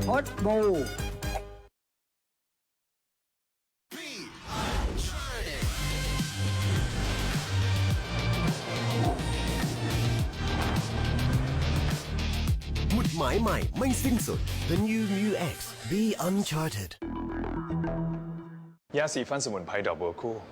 พดบูหมุดหมายใหม่ไม่สิ้นสุด The New Mu X Be Uncharted ยาสีฟันสมุนไพรดอกบัวคู่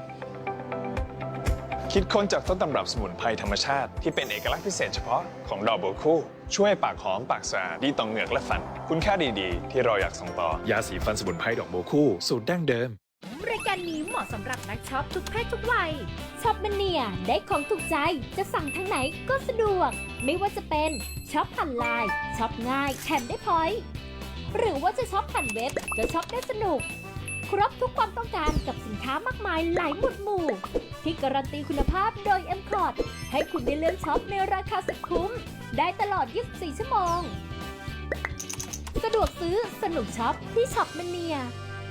คิดค้นจากต้นตำรับสมุนไพรธรรมชาติที่เป็นเอกลักษณ์พิเศษเฉพาะของดอกบัวคู่ช่วยปากหอมปากสะอาดดีต่อเหงือกและฟันคุณค่าดีๆที่เราอยากส่งต่อยาสีฟันสมุนไพรดอกบัวคู่สูตรดั้งเดิมรายการนี้เหมาะสำหรับนักช็อปทุกเพศทุกวัยช็อปมเนียได้ของถูกใจจะสั่งทางไหนก็สะดวกไม่ว่าจะเป็นช็อปผ่านไลน์ช็อปง่ายแถมได้พอยต์หรือว่าจะช็อปผ่านเว็บก็ช็อปได้สนุกครบทุกความต้องการกับสินค้ามากมายหลายหมุดหมู่ที่การันตีคุณภาพโดย M Cort ให้คุณได้เลือกช็อปในราคาสุดคุ้มได้ตลอด 24 ชั่วโมงสะดวกซื้อสนุกช็อปที่ช็อปมเนีย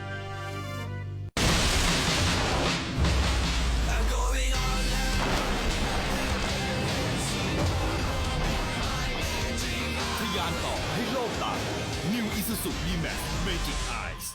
ทะยานต่อให้โลกตา New Isuzu D-Max Magic Eyes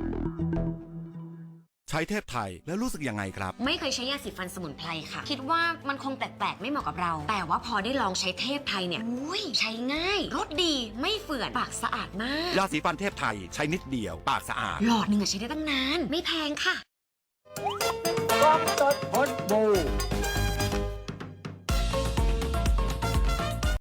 ใช้เทพไทยแล้วรู้สึกยังไงครับไม่เคยใช้ยาสีฟันสมุนไพรค่ะคิดว่ามันคงแปลกๆไม่เหมาะกับเราแต่ว่าพอได้ลองใช้เทพไทยเนี่ยใช้ง่ายรสดีไม่เฝื่อนปากสะอาดมากยาสีฟันเทพไทยใช้นิดเดียวปากสะอาดหลอดหนึ่งใช้ได้ตั้งนานไม่แพงค่ะกล้องสดพดบู